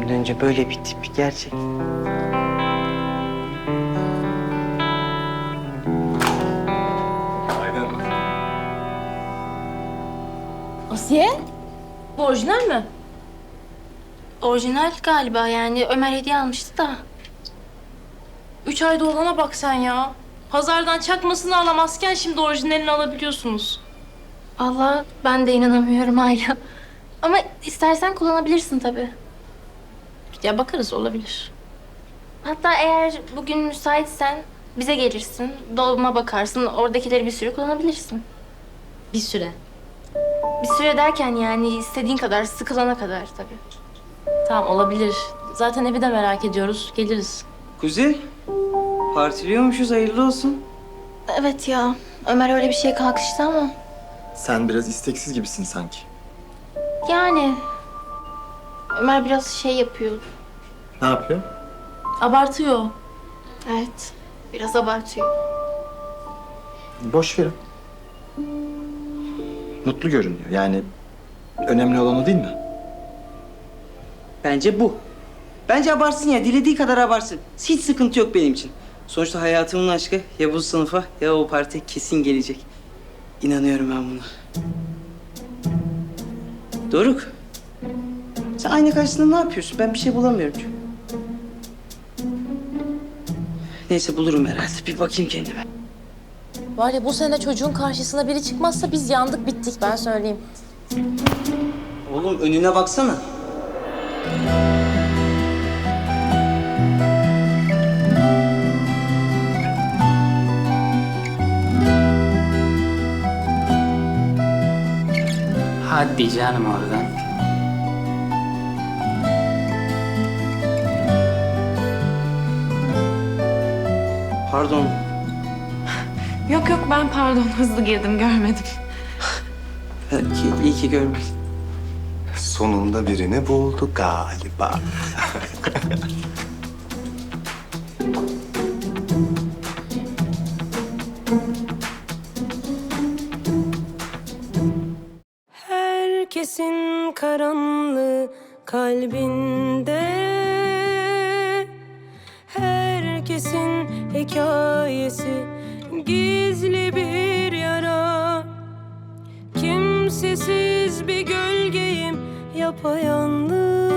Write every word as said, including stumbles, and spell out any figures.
önce böyle bir tip gerçek. Asiye? Bu orijinal mi? Orijinal galiba, yani Ömer hediye almıştı da. Üç ayda olana bak sen ya. Pazardan çakmasını alamazken şimdi orijinalini alabiliyorsunuz. Allah, ben de inanamıyorum hala. Ama istersen kullanabilirsin tabii. Ya bakarız, olabilir. Hatta eğer bugün müsaitsen bize gelirsin. Dolma bakarsın, oradakileri bir sürü kullanabilirsin. Bir süre. Bir süre derken yani istediğin kadar, sıkılana kadar tabii. Tamam, olabilir. Zaten evi de merak ediyoruz. Geliriz. Kuzey, partiliyormuşuz, hayırlı olsun. Evet ya, Ömer öyle bir şeye kalkıştı ama. Sen biraz isteksiz gibisin sanki. Yani Ömer biraz şey yapıyor. Ne yapıyor? Abartıyor. Evet, biraz abartıyor. Boş verin. Mutlu görünüyor. Yani önemli olan o değil mi? Bence bu. Bence abartsın ya, dilediği kadar abartsın. Hiç sıkıntı yok benim için. Sonuçta hayatımın aşkı ya bu sınıfa ya o partiye kesin gelecek. İnanıyorum ben buna. Doruk. Sen ayna karşısında ne yapıyorsun? Ben bir şey bulamıyorum çünkü. Neyse, bulurum herhalde. Bir bakayım kendime. Var ya, bu sene çocuğun karşısına biri çıkmazsa biz yandık, bittik, ben söyleyeyim. Oğlum önüne baksana. Hadi canım oradan. Pardon. Yok yok, ben pardon, hızlı girdim, görmedim. Belki iyi ki görmedim. Sonunda birini buldu galiba. Herkesin karanlığı kalbinde, herkesin hikayesi gizli bir yara. Kimsesiz bir gölgeyim yapayalnız,